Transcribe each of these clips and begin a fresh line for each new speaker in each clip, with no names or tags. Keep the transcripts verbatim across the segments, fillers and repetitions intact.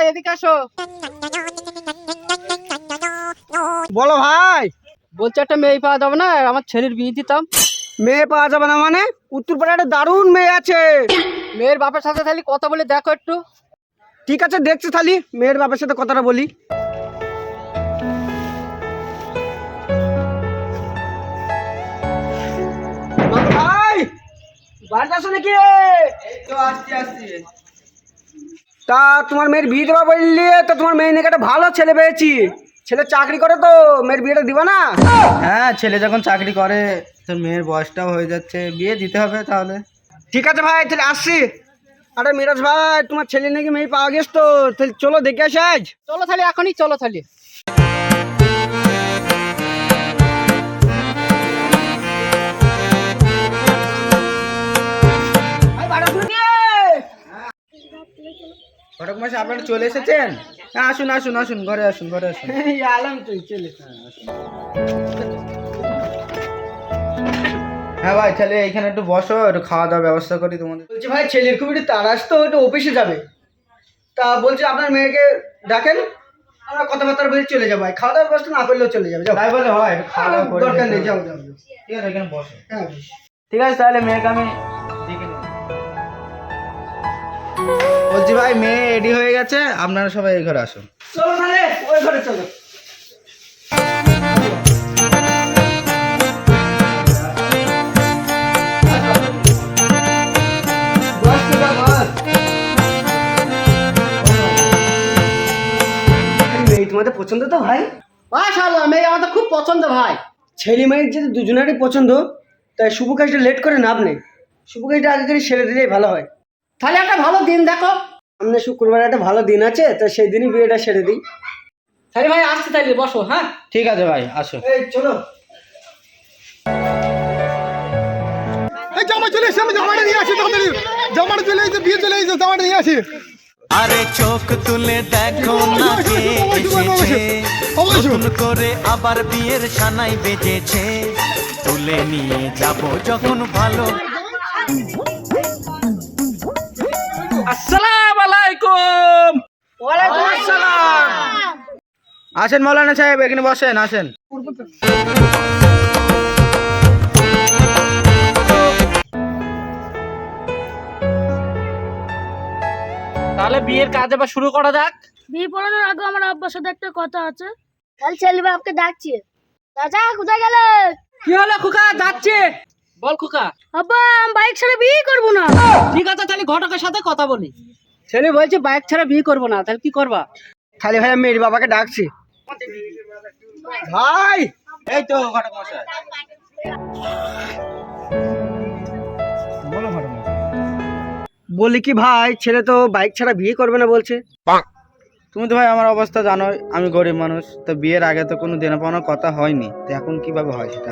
এদিকে আসো।
বলো ভাই।
বলছি একটা মেয়ে পাওয়া যাবে না, আমার ছেলের বিয়ে দিতাম।
মেয়ে পাওয়া যাবে না মানে? উত্তরপাড়ায় একটা দারুণ মেয়ে আছে।
মেয়ের বাপের সাথে তাহলে কথা বলে দেখো একটু।
ঠিক আছে, দেখছি তাহলে মেয়ের বাপের সাথে কথাটা বলি। ভাই বাড়িতে আসো নাকি? তা তোমার মেয়ের বিয়ে দেওয়া বললি তো, তোমার মেয়ে নাকি একটা ভালো ছেলে পেয়েছি। ছেলে চাকরি করে, তো মেয়ের বিয়েটা দিবা না?
হ্যাঁ, ছেলে যখন চাকরি করে তোর মেয়ের বয়সটাও হয়ে যাচ্ছে, বিয়ে দিতে হবে তাহলে।
ঠিক আছে ভাই, তাহলে আসছি। আরে মিরাজ ভাই, তোমার ছেলে নাকি মেয়ে পাওয়া গেছ, তো তাহলে চলো দেখে আসি আজ।
চলো তাহলে, এখনই চলো তাহলে।
ঘটক মশাই, আপনারা চলে এসেছেন? হ্যাঁ, আসুন আসুন আসুন, ঘরে আসুন ঘরে আসুন।
আলাম তুই চলে।
হ্যাঁ ভাই, তাহলে এখানে একটু বসো, একটু খাওয়া দাওয়ার ব্যবস্থা করি তোমাদের।
বলছি ভাই, ছেলের খুব একটু তাড়াস, তো একটু অফিসে যাবে। তা বলছি আপনার মেয়েকে ডাকেন, আমরা কথাবার্তা বলে চলে যাবো। খাওয়া দাওয়ার ব্যবস্থা না করলেও চলে যাবে। যাও।
তাই বলে হয়? একটু খাওয়া দাওয়া করে
দরকার নেই,
নিতে
যাও
হবে।
যাও যাও।
ঠিক আছে, এখানে বসো।
হ্যাঁ বেশ।
ঠিক আছে, তাহলে মেয়েকে আমি দেখে নিই। বলছি ভাই, মেয়ে রেডি হয়ে গেছে, আপনারা সবাই এই ঘরে আসুন।
চলো তাহলে ওই ঘরে চলো। বস তোরা বস। মেয়ে তোমাদের পছন্দ তো ভাই?
মাশাআল্লাহ, মেয়ে আমাদের খুব পছন্দ ভাই।
ছেলে মেয়ের যদি দুজনেরই পছন্দ, তাই শুভ কাজটা লেট করে লাভ নেই। শুভ কাজটা আগে করে সেরে দিলেই ভালো হয়।
তাহলে একটা ভালো দিন দেখো।
সামনে শুক্রবার একটা ভালো দিন আছে, তো সেই দিনই বিয়েটা সেরে দিই।
তাহলে ভাই আসছি, তাহলে বসো। হ্যাঁ
ঠিক আছে ভাই, আসো।
এই চলো।
এই জামা চলে এসে, আমি জামাটা নিয়ে আসি তাড়াতাড়ি। জামাটা চলে এসে, বিয়ে চলে এসে, জামাটা নিয়ে আসি।
আরে চোখ তুলে দেখো না কে এসেছে, নতুন করে আবার বিয়ের সানাই বেজেছে, তুলে নিয়ে যাব যখন ভালো।
আসসালামু আলাইকুম।
ওয়ালাইকুম আসসালাম।
আসেন মৌলানা সাহেব, এখানে বসেন, আসেন।
তাহলে বিয়ের কাজ এবার শুরু করা যাক।
বিয়ে পড়ানোর আগে আমার আব্বার সাথে একটা কথা আছে। কাল ছেলে বাপকে ডাকছি। চাচা কোথায় গেলে?
কি হলো খোকা? যাচ্ছে। বল খোকা।
আব্বা আমি বাইক ছাড়া বিয়ে করবো না।
ঠিক আছে, তাহলে ঘটকের সাথে কথা বলি। ছেলে বলছে বাইক ছাড়া বিয়ে করবো না, তাহলে কি করবা?
খালি ভাই আমি মেয়ের বাবাকে ডাকছি। ভাই
এই তো ঘটক মশাই। বলো ঘটক মশাই।
বলি কি ভাই, ছেলে তো বাইক ছাড়া বিয়ে করবে না বলছে।
তুমি তো ভাই আমার অবস্থা জানোই, আমি গরিব মানুষ, তো বিয়ের আগে তো কোনো দেনা পাওনার কথা হয়নি, তো এখন কিভাবে হয় সেটা?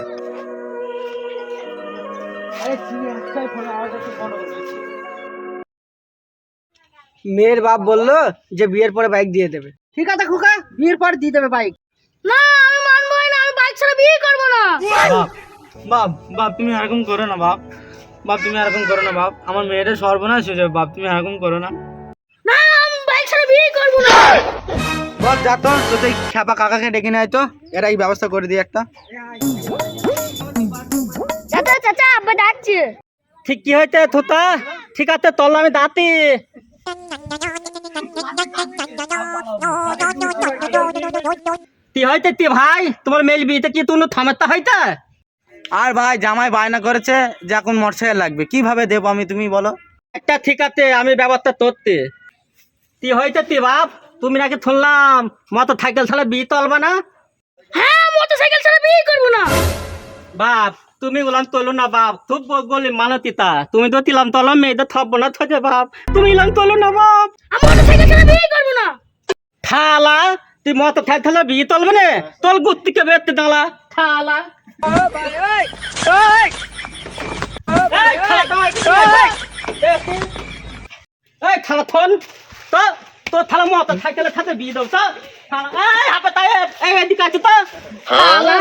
মেয়ের বাপ বললো যে বিয়ের পরে বাইক দিয়ে দেবে।
ঠিক আছে খোকা, বিয়ের পর দিয়ে দেবে বাইক।
না আমি মানবোই না, আমি বাইক ছাড়া বিয়ে করবো না।
বাপ বাপ বাপ তুমি এরকম করো না বাপ। বাপ তুমি এরকম করো না বাপ, আমার মেয়েটা সর্বনাশ হয়ে যাবে বাপ, তুমি এরকম করো না।
না আমি বাইক ছাড়া বিয়ে করবো না।
বল যা তো, তো এই খ্যাপা কাকাকে ডেকে নেয় তো, এরা এই ব্যবস্থা করে দিই একটা।
চাচা চাচা আব্বা ডাকছে।
ঠিক কি হইতে থোতা? ঠিক আছে, তল আমি দাঁতি। তি হইতে তি ভাই, তোমার মেল বিয়েতে কি তুমি থামাতে হইতে?
আর ভাই জামাই বায়না করেছে যে এখন মোটরসাইকেল লাগবে, কিভাবে দেবো আমি, তুমি বলো।
একটা ঠিক আছে, আমি ব্যবস্থা করতে। তি হইতে তি বাপ, তুমি নাকি শুনলাম মোটর সাইকেল ছাড়া বিয়ে তলবা না?
হ্যাঁ মোটর সাইকেল ছাড়া বিয়ে করবো না।
বাপ তুমি গুলাম তোলো না বাপ, খুব গলি মানতিতা। তুমি তো তিলাম তলম মেয়েদের থব না থজে বাপ, তুমি ইলাম তোলো না বাপ।
আমি মোটর সাইকেল ছাড়া বিয়ে করবো না।
থালা তুই মোটর সাইকেল ছাড়া বিয়ে তলবে না? তোল গুত্তিকে বেরতে দাঁড়া থালা। এই থালা থন তো, তোর থালা মোটর সাইকেলের সাথে বিয়ে দাও তো। থালা এই হাপে তাই এই এদিকে আছে তো থালা।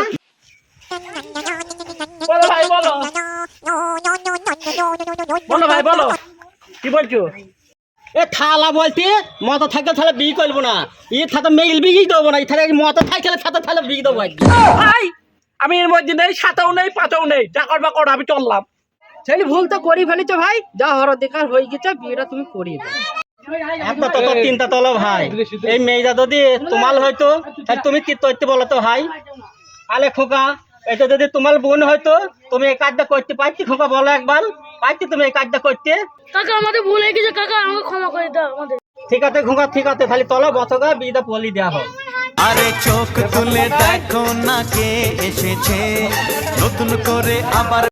বলো ভাই বলো, বলো ভাই বলো, কি বলছো? এ থালা বলতে মতো থাকলে তাহলে বিয়ে করবো না ই থাকতে মেইল বিয়ে দেবো না তাহলে মতো থাকলে সাথে তাহলে বিয়ে দেবো
ভাই আমি এর মধ্যে নেই সাতাও নেই পাঁচাও নেই টাকার বা কর আমি চললাম।
ছেলে ভুল তো করি ফেলেছো ভাই যা হর দেখার হয়ে গেছে বিয়েটা তুমি করিয়ে দাও। একটা তো তোর চিন্তা তোলো ভাই এই মেয়েটা যদি তোমার হয়তো তাহলে তুমি কি করতে বলো তো ভাই আলে খোকা এটা যদি তোমার বোন হয়তো তুমি এই কাজটা করতে পারতি খোকা বলো একবার পারতি তুমি এই কাজটা করতে
কাকা আমাদের ভুল হয়ে গেছে কাকা আমাকে ক্ষমা করে দাও আমাদের।
ঠিক আছে খোকা ঠিক আছে তাহলে তলো বসগা বিয়েটা পলি দেওয়া হোক।
আরে চোখ তুলে দেখো না কে এসেছে নতুন করে আবার